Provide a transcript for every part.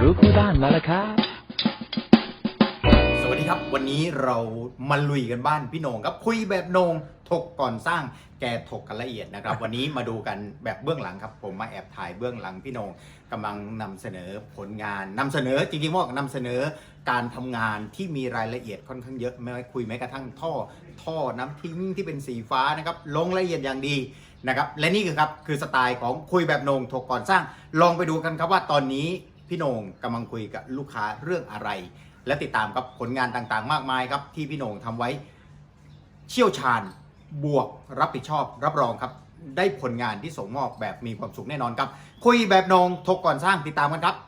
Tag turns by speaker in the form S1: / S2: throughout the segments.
S1: รู้คู่บ้านมาแล้วครับ
S2: สวัสดีครับวันนี้เรามาลุยกันบ้านพี่โหน่งครับคุยแบบโหน่งถกก่อนสร้างแกถกกันละเอียดนะครับ วันนี้มาดูกันแบบเบื้องหลังครับผมมาแอบถ่ายเบื้องหลังพี่โหน่งกำลังนำเสนอผลงานนำเสนอจริงๆว่านำเสนอการทำงานที่มีรายละเอียดค่อนข้างเยอะไม่ว่าคุยแม้กระทั่งท่อน้ำทิ้งที่เป็นสีฟ้านะครับลงรายละเอียดอย่างดีนะครับและนี่คือสไตล์ของคุยแบบโหน่งถกก่อนสร้างลองไปดูกันครับว่าตอนนี้พี่โหน่งกำลังคุยกับลูกค้าเรื่องอะไรและติดตามครับผลงานต่างๆมากมายครับที่พี่โหน่งทำไว้เชี่ยวชาญบวกรับผิดชอบรับรองครับได้ผลงานที่ส่งมอบแบบมีความสุขแน่นอนครับคุยแบบโหน่งถกก่อนสร้างติดตามกันครับ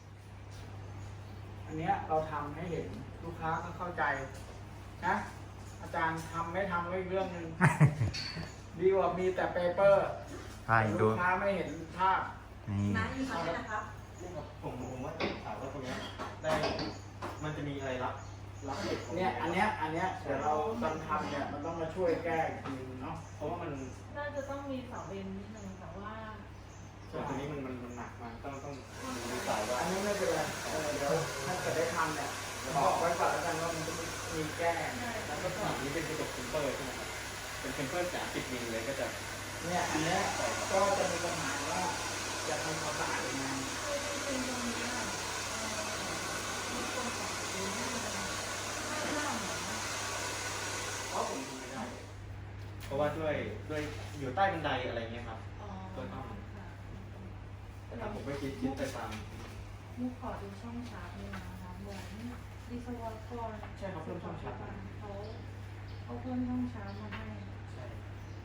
S3: อันเนี้ยเราทำให้เห็นลูกค้าก็เข้าใจนะอาจารย์ทำไม่ทำก็อีกเรื่องหนึ่ง ดีกว่ามีแต่เปเปอร์
S2: ใช่ดู
S3: ลูกค้าไม่เห็นภาพ
S4: น้าอยู่ทำได้นะครับ
S5: ผมว่าต้องถามว่าตรงนี้ได้มันจะมีอะไรรับเด็กของ
S3: เนี่ยอันเนี้ยเดี๋ยวเราตอนทำเนี่ยมันต้องมาช่วยแก้อีกทีเนาะ
S5: เพราะว่ามัน
S4: น่าจะต้องมีเสาเอ็นนิดนึงแต่ว่า
S5: ส่วนตัวนี้มันหนักมันต้องดูสายว่า
S3: อันนี้ไม่เป็นไรเดี๋ยวถ้าเกิดได้ทำเนี่ยบอกไว้ก่อนแล้วกันว่ามันจะมีแก้
S5: แล้วก็ฝั่งนี้เป็นกระจกเทมเปอร์ใช่ไหมครับเป็นเทมเปอร์30 มิลเลยก็จะ
S3: เนี่ยอันเนี้ยก็จะมีปัญหาว่าจะทำความสะอาดยังไง
S4: จริงๆตรงนี้อ่ะมีคนขอซื้อให้เลยห้ามเหรอ
S5: เพราะผมทำไม่ได้ เพราะว่าด้วยอยู่ใต้บันไดอะไรเงี้ยครับ
S4: อ๋อ
S5: ก็ต้อง
S4: ค่ะ
S5: แต่ถ้าผมไม่คิดไปตาม
S4: มุกขอดูช่องชาร์จด้วยนะคะเหมือนวิศวกรเขาเพิ่มช่องชาร์จมาให้
S5: ใช่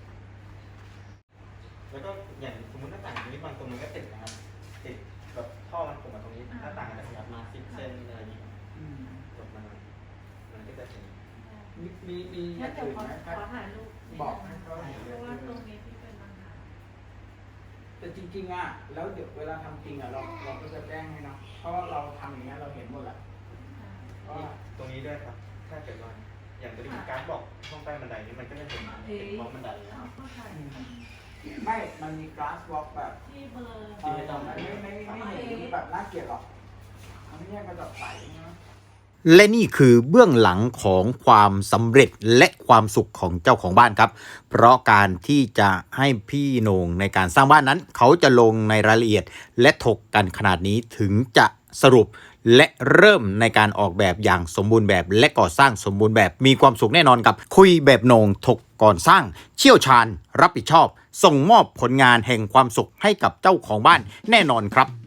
S5: แล้วก็อย่างสมมติหน้าต่างตรงนี้บางตรงมันก็ติดนะครับติดแบบท่อมันผมมาตรงนี้หน้าต่างมันจะขยับมา10 เซนอะไรอย่างเงี้ย
S3: อืม
S5: จบมันก็จะเห็น
S3: มีอ
S4: งั้
S3: ย่าน ง
S4: เดี๋ยว
S3: อื่น
S4: ขอ
S3: ไหมครับ
S4: ถ่ายรูปนิด
S3: บอก
S4: นึ
S3: ให้
S4: ง
S3: เขาเห็น
S4: เพราะว่าตรงนี้ที่เป็นปัญหา
S3: แต่จริงๆอ่ะแล้วเดี๋ยวเวลาทำจริงอ่ะเราก็จะแจ้งให้เนาะเพราะว่าเราทำอย่างเงี้ยเราเห็นหมดแหละเพราะว่า
S5: ตรงนี้ด้วยครับ ถ้าเกิดว่าอย่างตัวนี้การบอกช่องใต้บันไดนี้มันก็จะเป็นบล็อกบันได
S4: เอาเข้าถ่าย
S3: ไม่ มันมีกราสวอล์กแบบ
S4: ที่เบอร์
S5: ที่ไม่ต้อง
S3: ไม่เห็นแบบน่าเกลียดหรอกมันไม่ใช่กระจกใสนะ
S2: และนี่คือเบื้องหลังของความสำเร็จและความสุขของเจ้าของบ้านครับเพราะการที่จะให้พี่โหน่งในการสร้างบ้านนั้น เขาจะลงในรายละเอียดและถกกันขนาดนี้ถึงจะสรุปและเริ่มในการออกแบบอย่างสมบูรณ์แบบและก่อสร้างสมบูรณ์แบบมีความสุขแน่นอนกับคุยแบบโหน่งถกก่อนสร้างเชี่ยวชาญรับผิดชอบส่งมอบผลงานแห่งความสุขให้กับเจ้าของบ้านแน่นอนครับ